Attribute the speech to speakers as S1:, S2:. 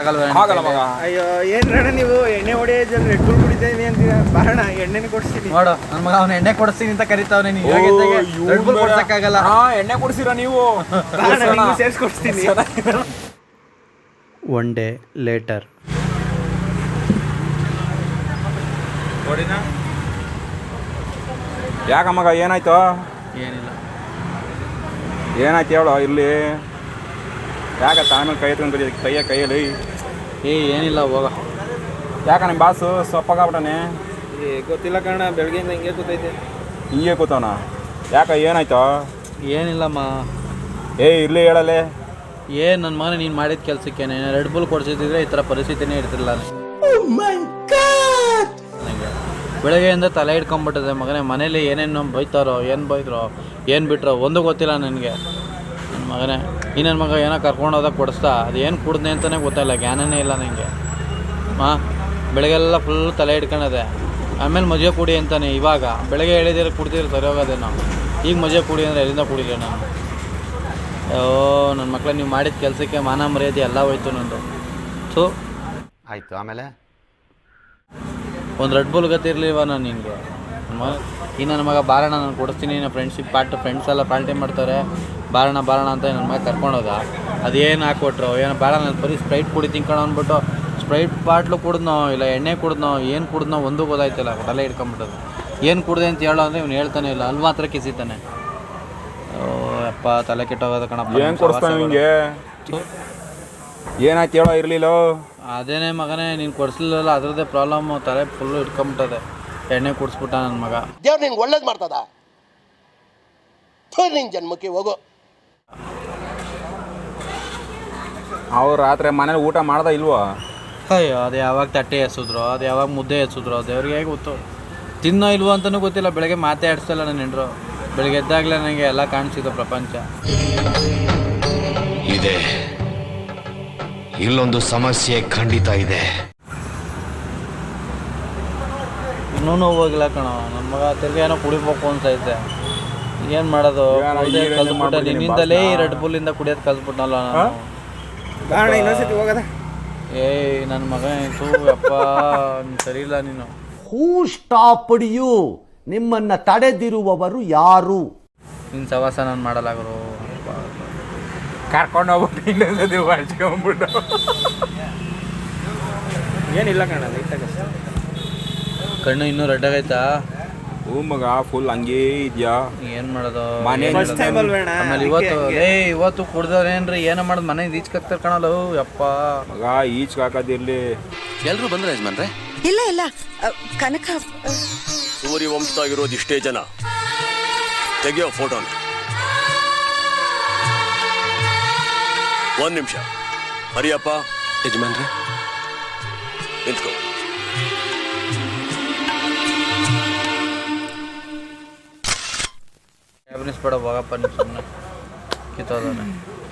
S1: ಆಗಲ್ಲ ಮಗ.
S2: ಅಯ್ಯೋ ಏನ್ರಣ್ಣ ನೀವು ಎಣ್ಣೆ ಹೊಡೆಯೋದ್ರಲ್ಲಿ ರೆಡ್ ಬುಲ್ ಕುಡಿತೀನಿ ಅಂತೀರಾ? ಬಾರಣ ಎಣ್ಣೆನ ಕೊಡಿಸ್ತೀನಿ.
S3: ನೋಡು ನನ್ನ ಮಗ ಅವ್ನು ಎಣ್ಣೆ ಕೊಡಿಸ್ತೀನಿ ಅಂತ ಕರಿತಾವನೆ. ನೀವು ರೆಡ್ ಬುಲ್ ಕೊಡ್ಸಕ್ಕಾಗಲ್ಲ.
S1: ಎಣ್ಣೆ ಕೊಡ್ಸಿರ ನೀವು?
S2: ಸೇರಿಸ್ಕೊಡ್ತೀನಿ.
S4: One day later.
S1: ಯಾಕ ಮಗ ಏನಾಯ್ತು?
S3: ಏನಿಲ್ಲ.
S1: ಏನಾಯ್ತು ಹೇಳು ಇಲ್ಲಿ. ಯಾಕ ಆಮೇಲೆ ಕೈ ಎತ್ಕೊಂಡು ಕೈಯಲ್ಲಿ
S3: ಏನಿಲ್ಲ ಹೋಗ.
S1: ಯಾಕ ನಿಮ್ಮ ಬಾಸು ಸೊಪ್ಪಾಗ್ಬಿಟ್ಟಾನೆ?
S2: ಗೊತ್ತಿಲ್ಲ ಕಣ, ಬೆಳಗ್ಗೆಯಿಂದ ಹಿಂಗೆ ಕೂತೈತೆ.
S1: ಹಿಂಗೆ ಕೂತವನ? ಯಾಕ ಏನಾಯ್ತು?
S3: ಏನಿಲ್ಲಮ್ಮ.
S1: ಇರ್ಲಿ ಹೇಳಲೆ.
S3: ನನ್ನ ಮಗನ ನೀನು ಮಾಡಿದ ಕೆಲಸಕ್ಕೆ ರೆಡ್ ಬುಲ್ ಕೊಡ್ಸಿದ್ರೆ ಈ ಥರ ಪರಿಸ್ಥಿತಿನೇ ಇರ್ತಿಲ್ಲ ನನಗೆ. ಬೆಳಗ್ಗೆಯಿಂದ ತಲೆ ಹಿಡ್ಕೊಂಬಿಟ್ಟಿದೆ ಮಗನೇ. ಮನೇಲಿ ಏನೇನು ಬೈತಾರೋ, ಏನು ಬೈದ್ರೋ, ಏನು ಬಿಟ್ರೋ ಒಂದು ಗೊತ್ತಿಲ್ಲ ನನಗೆ. ನನ್ನ ಮಗನೇ ಈ ನನ್ನ ಮಗ ಏನೋ ಕರ್ಕೊಂಡೋದಾಗ ಕೊಡಿಸ್ತಾ ಅದು ಏನು ಕುಡ್ದೆ ಅಂತಲೇ ಗೊತ್ತಾಯಿಲ್ಲ, ಜ್ಞಾನನೇ ಇಲ್ಲ ನನಗೆ. ಬೆಳಗ್ಗೆಲ್ಲ ಫುಲ್ ತಲೆ ಹಿಡ್ಕೊಳದೆ. ಆಮೇಲೆ ಮಜೆ ಕುಡಿ ಅಂತಾನೆ. ಇವಾಗ ಬೆಳಗ್ಗೆ ಹೇಳಿದ್ರೆ ಕುಡ್ತಿದ್ರೆ ಸರಿ ಹೋಗೋದೇನೋ. ಈಗ ಮಜೆ ಕುಡಿ ಅಂದರೆ ಎಲ್ಲಿಂದ ಕುಡಿಲ್ಲ ನಾನು. ನನ್ನ ಮಕ್ಕಳು ನೀವು ಮಾಡಿದ ಕೆಲಸಕ್ಕೆ ಮಾನ ಮರ್ಯಾದೆ ಎಲ್ಲ ಹೋಯ್ತು ನಂದು. ಸೊ
S5: ಆಯಿತು. ಆಮೇಲೆ
S3: ಒಂದು ರೆಡ್ ಬುಲ್ ಗತಿರ್ಲಿಲ್ವ ನಾನು ನಿನಗೆ? ಈ ನನ್ನ ಮಗ ಬಾರಣ ನಾನು ಕೊಡಿಸ್ತೀನಿ, ನನ್ನ ಫ್ರೆಂಡ್ಸ್ ಎಲ್ಲ ಪಾರ್ಟಿ ಮಾಡ್ತಾರೆ, ಬಾರಣ ಅಂತ ನನ್ನ ಮಗ ಕರ್ಕೊಂಡೋದ. ಅದೇನು ಹಾಕ್ಕೊಟ್ರು ಏನೋ ಬೇಡ, ನಾನು ಬರೀ ಸ್ಪ್ರೈಟ್ ಕುಡಿ ತಿನ್ಕೊಂಡು ಅಂದ್ಬಿಟ್ಟು ಸ್ಪ್ರೈಟ್ ಬಾಟ್ಲು ಕುಡಿದ್ನೋ ಇಲ್ಲ ಎಣ್ಣೆ ಕುಡಿದ್ನೋ ಏನು ಕುಡಿದ್ನೋ ಒಂದು ಗೊತ್ತಾಯ್ತಿಲ್ಲ. ತಲೆ ಹಿಡ್ಕೊಂಬಿಟ್ಟದು. ಏನು ಕುಡ್ದೆ ಅಂತ ಹೇಳೋ ಅಂದರೆ ಇವ್ನು ಹೇಳ್ತಾನೆ ಇಲ್ಲ, ಅಲ್ಲಿ ಮಾತ್ರ ಕಿಸಿತಾನೆ. ಅಪ್ಪ ತಲೆ ಕೆಟ್ಟೋಗೋದು ಕಣಪ್ಪ.
S1: ಏನು ಕೊಡಿಸ್ತಾನೆ ನಿಮಗೆ? ಏನಾಯ್ತು ಹೇಳೋ? ಇರಲಿಲ್ಲ.
S3: ಅದೇನೇ ಮಗನೇ ನೀನು ಕೊಡಿಸ್ಲಿಲ್ಲ, ಅದರದ್ದೇ ಪ್ರಾಬ್ಲಮ್ಮು. ತಲೆ ಫುಲ್ಲು ಇಟ್ಕೊಂಬಿಟ್ಟದೆ. ಎಣ್ಣೆ ಕುಡಿಸ್ಬಿಟ್ಟ ನನ್ನ ಮಗ.
S6: ದೇವ್ರು ನಿನ್ಗೆ ಒಳ್ಳೇದು ಮಾಡ್ತದ? ನಿನ್ನ ಜನ್ಮಕ್ಕೆ ಹೋಗೋ.
S1: ಅವ್ರು ರಾತ್ರಿ ಮನೇಲಿ ಊಟ ಮಾಡ್ದ ಇಲ್ವೋ?
S3: ಅಯ್ಯೋ ಅದು ಯಾವಾಗ ತಟ್ಟೆ ಎಸಿದ್ರು, ಅದು ಯಾವಾಗ ಮುದ್ದೆ ಎಸಿದ್ರು, ದೇವ್ರಿಗೆ ಹೇಗೆ ಗೊತ್ತು. ತಿನ್ನೋ ಇಲ್ವೋ ಅಂತಲೂ ಗೊತ್ತಿಲ್ಲ. ಬೆಳಗ್ಗೆ ಮಾತೇ ಆಡಿಸ್ತಲ್ಲ ನನ್ನ ಹೆಂಡ್ರು. ಬೆಳಗ್ಗೆ ಎದ್ದಾಗಲೇ ನನಗೆ ಎಲ್ಲ ಕಾಣಿಸಿದ್ದು ಪ್ರಪಂಚ.
S7: ಇದೆ, ಇಲ್ಲೊಂದು ಸಮಸ್ಯೆ ಖಂಡಿತ ಇದೆ.
S3: ಇನ್ನೂ ನೋವು ಹೋಗಿಲ್ಲ ಕಣೋ. ನನ್ನ ಮಗ ತಿರ್ಗಿ ಏನೋ ಕುಡಿಬೇಕು ಅನ್ಸೈತೆ. ಏನು ಮಾಡೋದು? ಕಲ್ತ್ಬಿಟ್ಟೆ ನಿನ್ನಿಂದಲೇ ಈ ರೆಡ್ ಬುಲ್ಲಿಂದ ಕುಡಿಯೋದು ಕಲ್ತ್ಬಿಟ್ನಲ್ಲ ನಾನು.
S2: ಬಾರಣ ಇನ್ನೊಂದ್ಸತಿ ಹೋಗದ.
S3: ನನ್ನ ಮಗ ಆಯಿತು ಅಪ್ಪ, ಸರಿ ಇಲ್ಲ ನೀನು.
S5: Who stopped you? ನಿಮ್ಮನ್ನ ತಡೆದಿರುವವರು ಯಾರು?
S3: ನಿನ್ನ ಸವಾಸ ನಾನು ಮಾಡಲಾಗರು.
S1: ಕರ್ಕೊಂಡು ಹೋಗ್ಬಿಟ್ಟು ಇನ್ನೊಂದ್ಸತಿ ಹಚ್ಕೊಂಡ್ಬಿಟ್ಟು.
S2: ಏನಿಲ್ಲ ಕಣ, ಲೈಟಾಗಷ್ಟೇ.
S3: ಕಣ್ಣು ಇನ್ನೂ ರೆಡ್ಡಾಗೈತಾ?
S1: ಹೂ ಮಗ, ಫುಲ್ ಹಂಗೇ ಇದೆಯಾ?
S3: ಏನು ಮಾಡೋದು?
S2: ಆಮೇಲೆ
S3: ಇವತ್ತು ಕುಡ್ದವ್ರೇನ್ರಿ ಏನೋ ಮಾಡೋದು? ಮನೆಗೆ ಈಚ್ಕಾಕ್ತಾರೆ ಕಣಲ್ಲ. ಯಪ್ಪ
S1: ಮಗ, ಈಚ್ ಹಾಕೋದಿರ್ಲಿ.
S7: ಎಲ್ರು ಬಂದ್ರೆ ಯಜಮಾನ್ರೆ?
S8: ಇಲ್ಲ ಕನಕ
S6: ಸೂರ್ಯ ವಂಶದಾಗಿರೋದು ಇಷ್ಟೇ ಜನ. ತೆಗಿಯೋ ಫೋಟೋನ. ಒಂದ್ ನಿಮಿಷ. ಹರಿಯಪ್ಪ
S7: ಯಜಮಾನ್ರೆ
S6: ನಿಂತ್ಕೋ.
S3: ಕ್ಯಾಬಿನಿಸ್ ಬೇಡ ಹೋಗಪ್ಪ, ನೀವು ಸುಮ್ಮನೆ ಕಿತ್ತೋದಾನೆ.